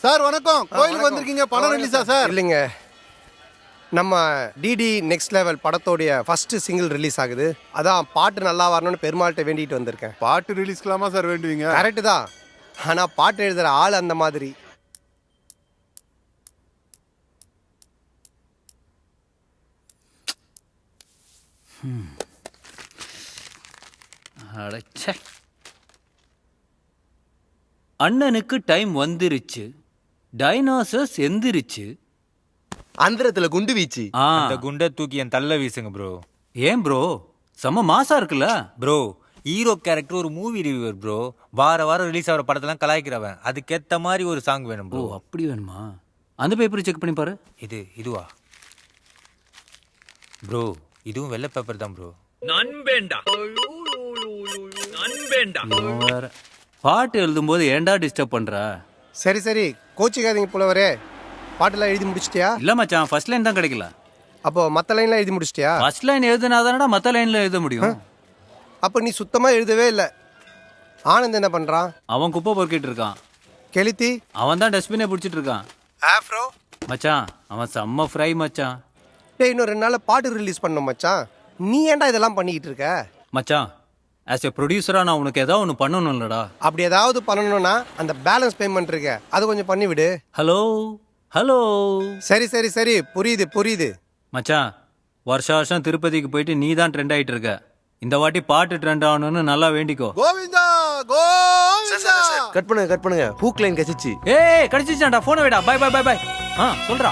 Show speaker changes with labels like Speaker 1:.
Speaker 1: Sir வணக்கம். கோயிலுக்கு வந்திருக்கீங்க, படம் ரிலீஸா சார்?
Speaker 2: இல்லைங்க, நம்ம டிடி நெக்ஸ்ட் லெவல் படத்தோடைய ஃபர்ஸ்ட் சிங்கிள் ரிலீஸ் ஆகுது. அதான் பாட்டு நல்லா வரணும்னு பெருமாள்கிட்ட வேண்டிட்டு வந்திருக்கேன்.
Speaker 1: பாட்டு ரிலீஸ்க்கலாமா சார் வேண்டுவீங்க?
Speaker 2: கரெக்டு தான், ஆனால் பாட்டு எழுதுகிற ஆள் அந்த மாதிரி.
Speaker 3: அண்ணனுக்கு டைம் வந்துருச்சு, டைனோசர்ஸ் எந்திரிச்சு.
Speaker 4: அந்தரத்துல குண்டு வீச்சு.
Speaker 5: அந்த குண்டை தூக்கி என் தள்ள வீசுங்க ப்ரோ.
Speaker 3: ஏன் ப்ரோ, செம்ம மாசா இருக்குல்ல
Speaker 5: ப்ரோ, ஹீரோ கேரக்டர் ஒரு மூவி ரிவ்யூவர் ப்ரோ. வாரம் ரிலீஸ் ஆகிற படத்தெல்லாம் கலாய்க்கிறவன். அதுக்கேற்ற மாதிரி ஒரு சாங் வேணும்
Speaker 3: ப்ரோ.
Speaker 5: ப்ரோ.
Speaker 3: அப்படி வேணுமா? அந்த பேப்பரை செக் பண்ணி பாரு.
Speaker 5: இதுவா ப்ரோ? இதுவும் வெள்ளை பேப்பர் தான் ப்ரோ.
Speaker 3: இவன் வேற பாட்டு எழுதும்போது ஏன்டா டிஸ்டர்ப் பண்ற?
Speaker 2: சரி சரி, கோச்சிக்காதீங்க புலவரே. பாட்டெல்லாம் எழுதி முடிச்சிட்டியா?
Speaker 3: இல்ல மச்சான், ஃபர்ஸ்ட் லைன் தான் கிடைக்கல.
Speaker 2: அப்போ மற்ற லைன்லாம் எழுதி முடிச்சிட்டியா?
Speaker 3: ஃபர்ஸ்ட் லைன் எழுதுனாதானடா மற்ற லைன்ல எழுத முடியும்.
Speaker 2: அப்போ நீ சுத்தமாக எழுதவே இல்லை. ஆனந்த் என்ன பண்ணுறான்?
Speaker 3: அவன் குப்பை பொறுக்கிட்டு இருக்கான்.
Speaker 2: கெளுத்தி?
Speaker 3: அவன் தான் டஸ்ட்பினே பிடிச்சிட்டு இருக்கான்.
Speaker 2: ஆஃப்ரோ?
Speaker 3: மச்சான் அவன் செம்ம ஃப்ரை மச்சான்.
Speaker 2: டேய், இன்னும் 2 நாளில் பாட்டு ரிலீஸ் பண்ணோம் மச்சான். நீ ஏன்டா இதெல்லாம் பண்ணிக்கிட்டு இருக்க?
Speaker 3: மச்சான், ஆஸ் எ ப்ரொடியூசரா நான் உனக்கு ஏதாவது ஒன்று பண்ணணும்லடா.
Speaker 2: அப்படி ஏதாவது பண்ணணும்னா அந்த பேலன்ஸ் பேமெண்ட் இருக்கு, அது கொஞ்சம் பண்ணி விடு.
Speaker 3: Hello hello.
Speaker 2: சரி சரி சரி, புரியுது புரியுது.
Speaker 3: மச்சான், வருஷம் திருப்பதிக்கு போயிட்டு நீ தான் ட்ரெண்ட் ஆயிட்டு இருக்க. இந்த வாட்டி பாட்டு ட்ரெண்ட் ஆகணும்னு நல்லா வேண்டிக்கோ.
Speaker 1: கோவிந்தா கோவிந்தா.
Speaker 4: கட் பண்ணுங்க ஹூக் லைன் கசிச்சு.
Speaker 3: ஏய் கடிச்சிச்சான்டா, போனை விடா. Bye bye bye bye. சொல்றா.